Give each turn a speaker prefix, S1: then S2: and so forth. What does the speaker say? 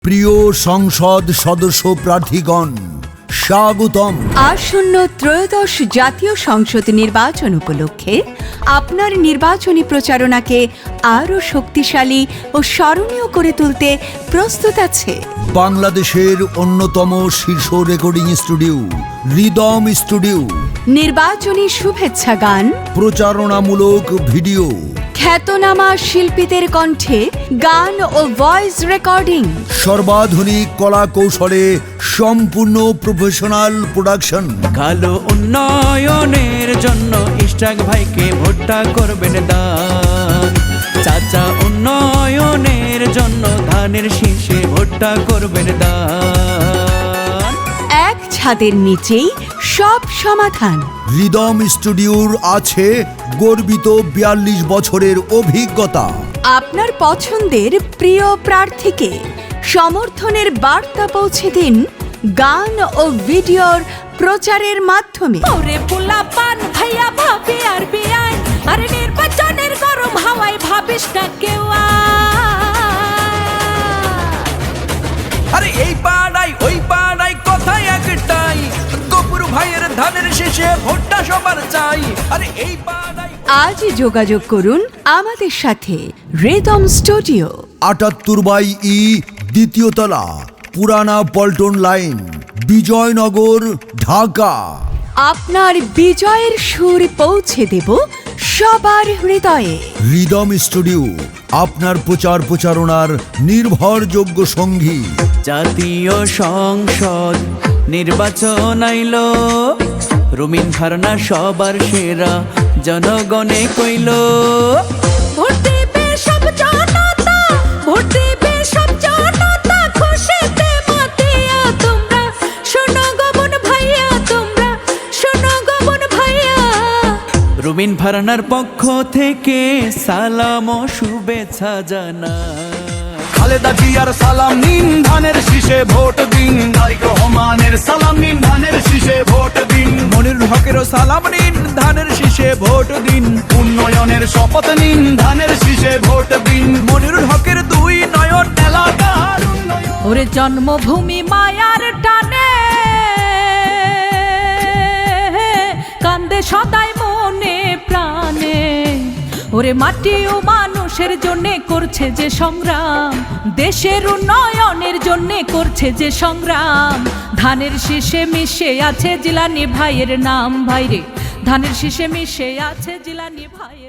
S1: প্রিয় সংসদ সদস্য প্রার্থীগণ, স্বাগতম।
S2: আসন্ন ত্রয়োদশ জাতীয় সংসদ নির্বাচন উপলক্ষে আপনার নির্বাচনী প্রচারণাকে আরও শক্তিশালী ও স্মরণীয় করে তুলতে প্রস্তুত আছে
S1: বাংলাদেশের অন্যতম শীর্ষ রেকর্ডিং স্টুডিও রিদম স্টুডিও।
S2: নির্বাচনী শুভেচ্ছা গান,
S1: প্রচারণামূলক ভিডিও,
S2: খ্যাতনামা শিল্পীদের কণ্ঠে গান ও ভয়েস রেকর্ডিং,
S1: সর্বাধুনিক কলা কৌশলে সম্পূর্ণ প্রফেশনাল প্রোডাকশন।
S3: কালো উন্নয়নের জন্য ইশরাক ভাইকে ভোটটা করবেন দান। চাচা উন্নয়নের জন্য ধানের শীষে ভোটটা করবেন দান।
S2: এক ছাদের নিচেই সব সমাধান।
S1: রিদম স্টুডিওর আছে গর্বিত ৪২ বছরের অভিজ্ঞতা।
S2: আপনার পছন্দের প্রিয় প্রার্থীকে সমর্থনের বার্তা পৌঁছে দিন গান ও ভিডিওর প্রচারের মাধ্যমে।
S4: ওরে পোলা পান ভাইয়া ভাবি আর বিয়াই, আরে নির্বাচনের গরম হাওয়ায় ভাবিস না কেউ।
S3: আরে এই পাড়াই ওই পাড়াই কথাই একটাই, গফুর ভাইয়ের ধানের শীষে ভোটটা সবার চাই। আরে এই পাড়াই
S2: আজই যোগাযোগ করুন আমাদের সাথে। রিদম স্টুডিও
S1: ৭৮/ই, দ্বিতীয় তলা, পুরানা পল্টন লাইন, বিজয়নগর, ঢাকা।
S2: আপনার বিজয়ের সুর পৌঁছে দেব সবার হৃদয়ে।
S1: রিদম স্টুডিও আপনার প্রচার প্রচারণার নির্ভরযোগ্য সঙ্গী।
S3: জাতীয় সংসদ নির্বাচন আইলো, রুমিন ফারনা সবার সেরা জনগণে কইল।
S4: ভোট দেবে সব জনতা, ভোট দেবে সব জনতা, খুশিতে মাতিয়া তোমরা শোনো গবন ভাইয়া, তোমরা শোনো গবন ভাইয়া।
S3: রুমিন ফারনার পক্ষ থেকে সালাম ও শুভেচ্ছা জানা।
S5: খালেদা জিয়ার সালাম নিন, ধানের শীষে ভোট দিন। তারেক রহমানের সালাম নিন, ধানের শীষে ভোট দিন।
S3: মনিরুল হকেরও সালাম নিন, ধানের শীষে ভোট দিন।
S5: উন্নয়নের শপথ নিন, ধানের শীষে ভোট দিন।
S3: মনিরুল হকের দুই নয়ন
S5: এলাকার উন্নয়ন।
S4: ওরে জন্মভূমি মায়ার টানে কান্দে সদাই মনে প্রাণে। ওরে মাটি ও মানুষের জন্যে করছে যে সংগ্রাম, দেশের উন্নয়নের জন্যে করছে যে সংগ্রাম। ধানের শীষে মিশে আছে জিলানি ভাইয়ের নাম, ভাইরে ধানের শীষে মিশে আছে জিলানি ভাই।